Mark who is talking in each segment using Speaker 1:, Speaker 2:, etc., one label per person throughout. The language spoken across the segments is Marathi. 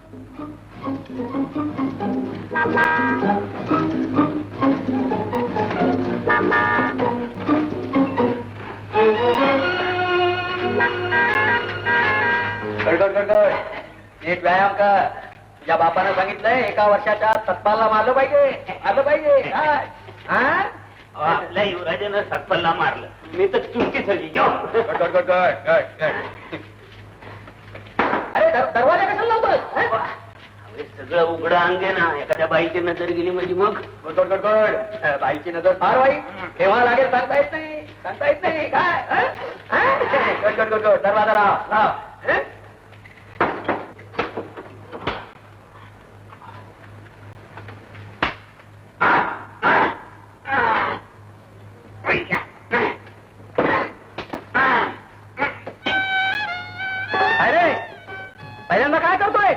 Speaker 1: नीट व्यायाम कर. तुझ्या बापानं सांगितलंय 1 वर्षाच्या सत्पालला मारलं पाहिजे, मारलं पाहिजे.
Speaker 2: आपल्या युवराजानं सत्पल्ला मारलं, मी तर चुटकी झाली.
Speaker 1: अरे दरवाजा कशाला लावतोय?
Speaker 2: सगळं उघडं अंगे ना, एखाद्या बाईची नजर गेली म्हणजे मग
Speaker 1: बाईची नजर फार वाईट. केव्हा लागेल सांगता येत नाही, सांगता येत नाही. काय दरवाजा लाव लाव. अरे पहिल्यांदा काय करतोय?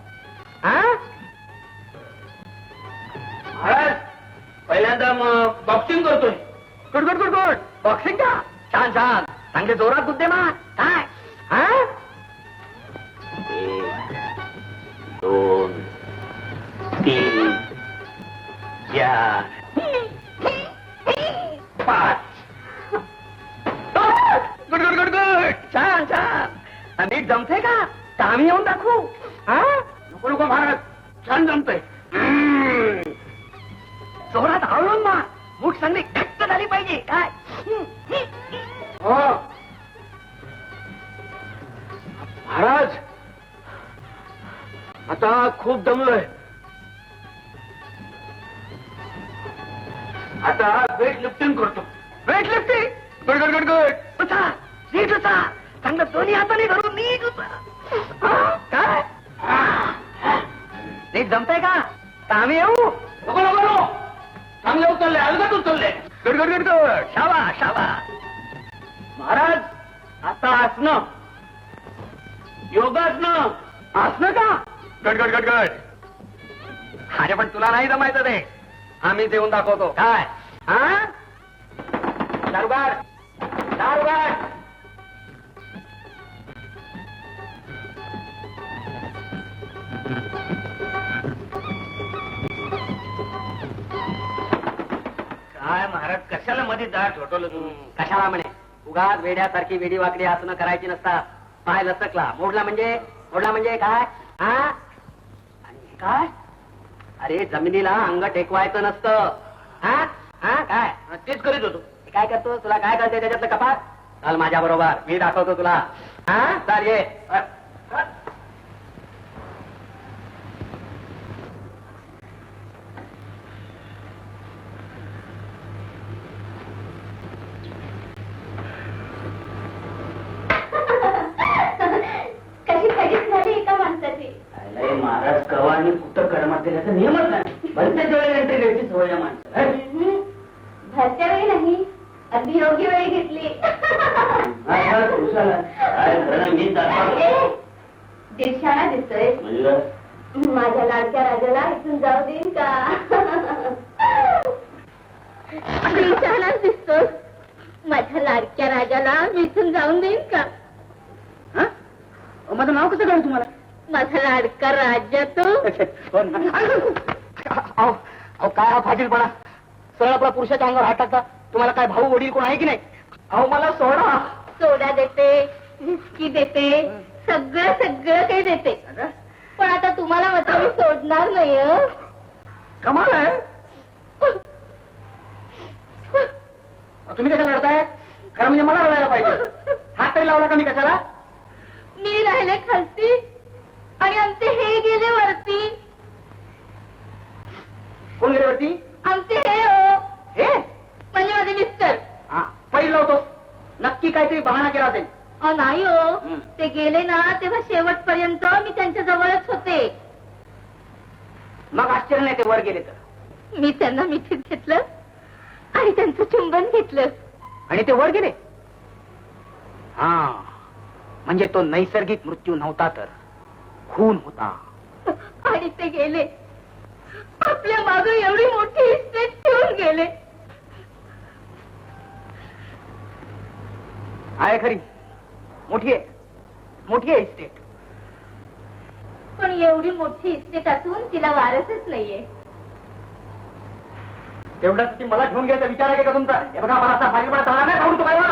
Speaker 2: महाराज पहिल्यांदा मग बॉक्सिंग करतोय.
Speaker 1: Good good good good. Boxing का? छान छान. चांगले जोरात बुद्धे मा. काय
Speaker 2: 1 2 3 4 5.
Speaker 1: Good good good good. छान छान. नीट जमते का? आम्ही येऊन दाखवू.
Speaker 2: नको नको महाराज, छान जमतंय.
Speaker 1: जोरात आवळून मा. मूठ चांगली घट्ट झाली पाहिजे. काय
Speaker 2: हो महाराज, आता खूप दमलोय. आता वेट लिफ्टिंग करतो.
Speaker 1: Weight lifting. Good good good good. उचा नीट उचा. चांगलं दोन्ही हाताने धरून नीट उचा. काय नीट जमतंय का? आम्ही येऊ.
Speaker 2: नको नको नको, चांगले उचलले, अलगद उचलले.
Speaker 1: Good good good good. शाबा शाबा.
Speaker 2: महाराज आता आसनं, योगासनं.
Speaker 1: असलं का? गड गड गड गड. अरे पण तुला नाही जमायचं ते. आम्हीच येऊन दाखवतो. काय दारुगार दारुगार.
Speaker 2: काय महाराज, कशाला मध्ये दार ठोठवलं तुम्ही?
Speaker 1: कशाला म्हणे? उगाच वेड्यासारखी वेडी वाकडी आसनं करायची नसतात. पाय लचकला, मोडला म्हणजे काय? आणि काय? अरे जमिनीला अंग टेकवायचं नसतं. काय
Speaker 2: तेच करीत होतो.
Speaker 1: काय करतो? तुला काय कळते त्याच्यातलं कपात? चाल माझ्या बरोबर, मी दाखवतो तुला. चाल ये.
Speaker 2: महाराज कवा आणि कुठं कडमात गेल्याचा नियमच नाही. भलत्याच वेळेला एंट्री घ्यायची सवय या माणसाला.
Speaker 3: भरच्या वेळी नाही, अगदी योग्य वेळी घेतली. दिवसाला दिसतोय. माझ्या लाडक्या राजाला इथून जाऊ देईन का? दिवसालाच दिसतो. माझ्या लाडक्या राजाला मी इथून जाऊन देईन का?
Speaker 1: माझं नाव कसं कळलं तुम्हाला?
Speaker 3: माझा लाडका राजा तो.
Speaker 1: काय हा फाजीलपणा? सरळ आपला पुरुषाच्या अंगावर हात टाकता. तुम्हाला काय भाऊ वडील कोण आहे की नाही? अहो मला सोडा.
Speaker 3: सोडा देते, विस्की देते, सगळं सगळं काही देते. पण आता तुम्हाला मात्र मी सोडणार नाही.
Speaker 1: कमाल आहे. तुम्ही कशाला लढताय? खरं म्हणजे मला लढायला पाहिजे. हात तरी लावला का मी कशाला?
Speaker 3: मी राहिले खालती आणि आमचे हे गेले वरती.
Speaker 1: कोण गेले वरती?
Speaker 3: आमचे हे हो,
Speaker 1: हे
Speaker 3: म्हणजे माझे मिस्टर.
Speaker 1: पहिलं लावतो. नक्की काहीतरी बहाणा केला असेल.
Speaker 3: नाही हो, ते गेले ना तेव्हा शेवटपर्यंत मी त्यांच्या जवळच होते.
Speaker 1: मग आश्चर्य नाही ते वर गेले तर.
Speaker 3: मी त्यांना मिठीत घेतलं आणि त्यांचं चुंबन घेतलं
Speaker 1: आणि ते वर गेले. म्हणजे तो नैसर्गिक मृत्यू नव्हता तर खून होता.
Speaker 3: आणि ते गेले. आपल्या मागे एवढी मोठी इस्टेट ठेवून गेले.
Speaker 1: आहे खरी, मोठी आहे इस्टेट.
Speaker 3: पण एवढी मोठी इस्टेट असून तिला वारसच नाहीये.
Speaker 1: तेवढ्यासाठी मला घेऊन घ्यायचा विचार आहे का तुमचा? हे बघा, मला असा फाईलपणा चालणार नाही. सांगू तुम्हाला.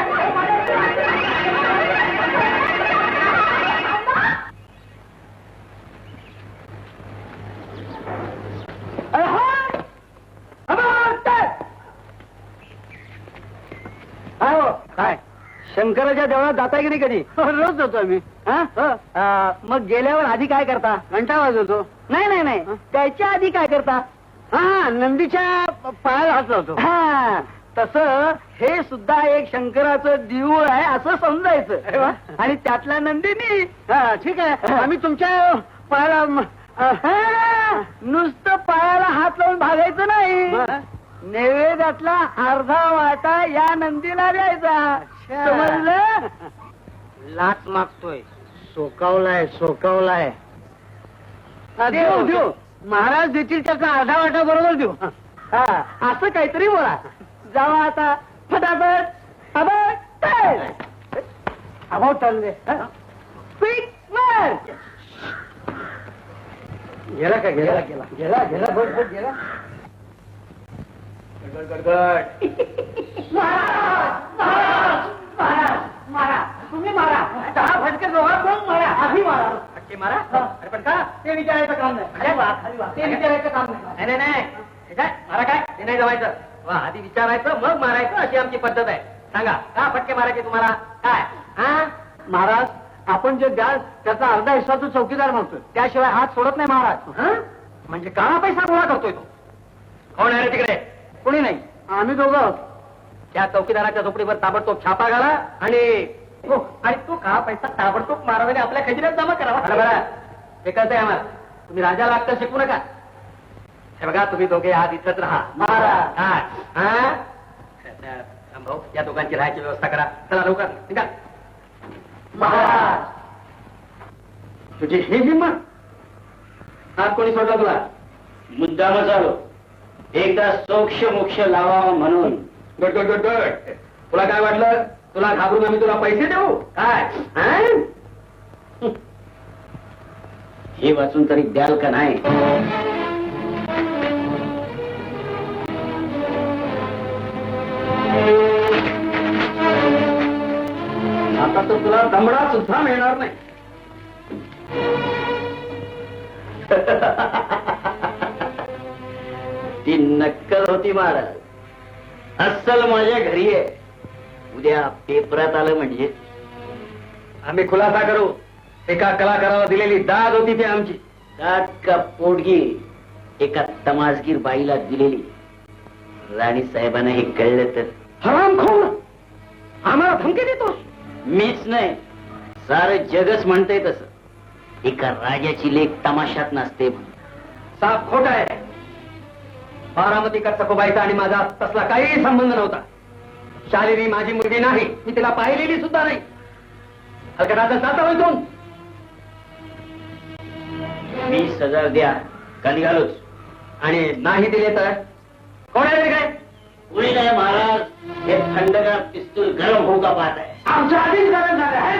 Speaker 1: काय शंकराच्या देवळात जाताय की नाही कधी? रोज जातो आम्ही. मग गेल्यावर आधी काय करता? घंटा वाजवतो. नाही नाही नाही, त्याच्या आधी काय करता? हा, नंदीच्या पायाला हात लावतो. हा, तसं हे सुद्धा एक शंकराचं देऊळ आहे असं समजायचं. आणि त्यातला नंदिनी. हा, ठीक आहे, आम्ही तुमच्या पायाला नुसतं पायाला हात लावून भागायचं नाही, नैवेद्यातला अर्धा वाटा या नंदीला द्यायचा. समजलं? लाच मागतोय. सोकावलाय सोकावलाय. देऊ देऊ, महाराज देतील त्याचा अर्धा वाटा बरोबर देऊ. हा, असं काहीतरी बोला. जावा आता फटाफट. अभाव चालले. गेला का? गेला गेला गेला गेला बरोबर गेला. मारा, तुम्ही मारा. 10 फटके जोरात मारा. आधी मारा. फटके मारा. अरे पण का? ते विचारायचं काम नाही. ते विचारायचं काम नाही. नाही नाही, मारा काय? ते नाही जमायचं. वा, आधी विचारायचं मग मारायचं, अशी आमची पद्धत आहे. सांगा, का फटके मारायचे तुम्हाला? काय? हा, महाराज, आपण जे द्याल त्याचा अर्धा हिस्सा तो चौकीदार मागतोय, त्याशिवाय हात सोडत नाही महाराज. म्हणजे काळा पैसा गोळा करतोय तो. कोण आहे रे तिकडे? कोणी नाही, आम्ही दोघं आहोत. त्या चौकीदाराच्या झोपडीवर ताबडतोब छापा घाला आणि तो काळा पैसा ताबडतोब मारावाने आपल्या खजिन्यात जमा करावा. बरं, हे कळतंय आम्हाला. तुम्ही राजा लागता शिकू नका. हे बघा, तुम्ही दोघे आज इथंच राहा. भाऊ, या दोघांची राहायची व्यवस्था करा. चला लवकर निघा. महाराज, तुझी ही हिंमत? हात कोणी सोडला तुला?
Speaker 2: मुद्दामच आलो, एकदा सोक्ष मोक्ष लावावा म्हणून.
Speaker 1: Good good good good. तुला काय वाटलं? तुला घाबरून आम्ही तुला पैसे देऊ काय?
Speaker 2: हे वाचून तरी द्याल का नाही?
Speaker 1: आता तर तुला दमडा सुद्धा मिळणार नाही.
Speaker 2: ती नक्कल होती महाराज. अस्सल माझ्या घरी आहे. उद्या पेपरात आलं म्हणजे
Speaker 1: आम्ही खुलासा करू. एका कलाकाराला दिलेली दाद होती ती आमची.
Speaker 2: दात का पोटगी एका तमासगीर बाईला दिलेली. राणी साहेबांना हे कळलं तर
Speaker 1: हरामखोर, आम्हाला धमकी देतोस?
Speaker 2: मीच नाही, सारं जगच म्हणतंय तसं. एका राजाची लेख तमाशात नसते म्हणून.
Speaker 1: साफ खोट आहे. बारामतीकर सखोबाईचा आणि माझा तसला काही संबंध नव्हता. शालिनी माझी मुलगी नाही, मी तिला पाहिलेली सुद्धा नाही. हलकटाचा जाता होईतून.
Speaker 2: 20,000 द्या का निघालोच.
Speaker 1: आणि नाही दिले तर कोण आहे रे? काय
Speaker 2: कुणी नाही महाराज, हे थंडगार पिस्तूल गरम होऊ का पाहत आहे.
Speaker 1: आमच्या आधीच गरज झालं आहे.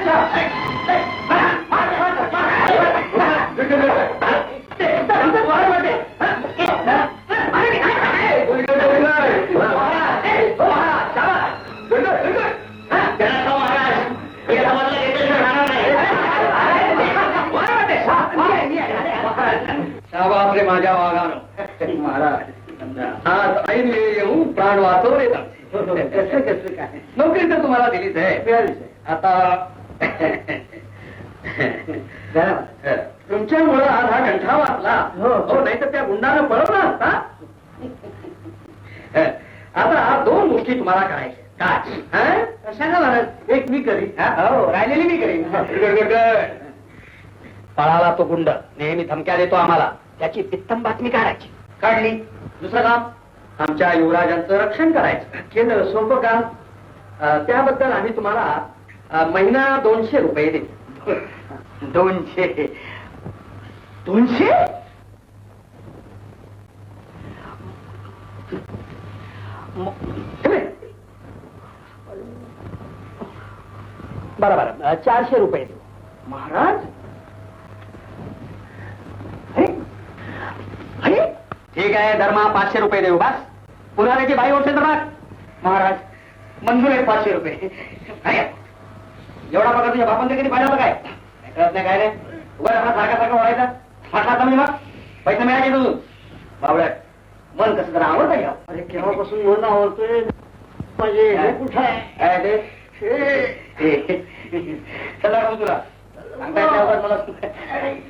Speaker 1: बापरे माझ्या वाघानं. महाराज, आज ऐन वेळी येऊन प्राण वाचवले. कसं कसं काय? नोकरी तर तुम्हाला दिलीच आहे. आता तुमच्यामुळं आज हा गंठा वाचला. हो, नाही तर त्या गुंडानं पळवला असता. आता 2 गोष्टी तुम्हाला करायच्या. काय? कशाला महाराज? एक मी करीन. हो, राहिलेली मी करीन. पळाला तो गुंड, नेहमी धमक्या देतो आम्हाला. त्याची पित्तम बातमी काढायची. काढली. दुसरं काम, आमच्या युवराजांचं रक्षण करायचं. केलं, सोपं काम. त्याबद्दल आम्ही तुम्हाला महिना 200 रुपये देतो. 200? 200? बरं 400 रुपये देऊ. महाराज, ठीक आहे, धर्मा 500 रुपये देऊ बस. पुन्हा त्याची बाई उठते तर बघ. महाराज मंजूर आहे 500 रुपये. एवढा पगार तुझ्या बापांचं कधी पाहिलं होतं काय? काय कळत नाही काय रे? उगा आपला सारखा ओढायचा. फाटला मी मग पैसे मिळायचे तू बावड्यात. मन कसं जरा आवडतं घ्या.
Speaker 4: अरे केव्हापासून मन आवडतोय माझे हे कुठं आहे?
Speaker 1: काय ते? चला तुला सांगता येत नाही मला.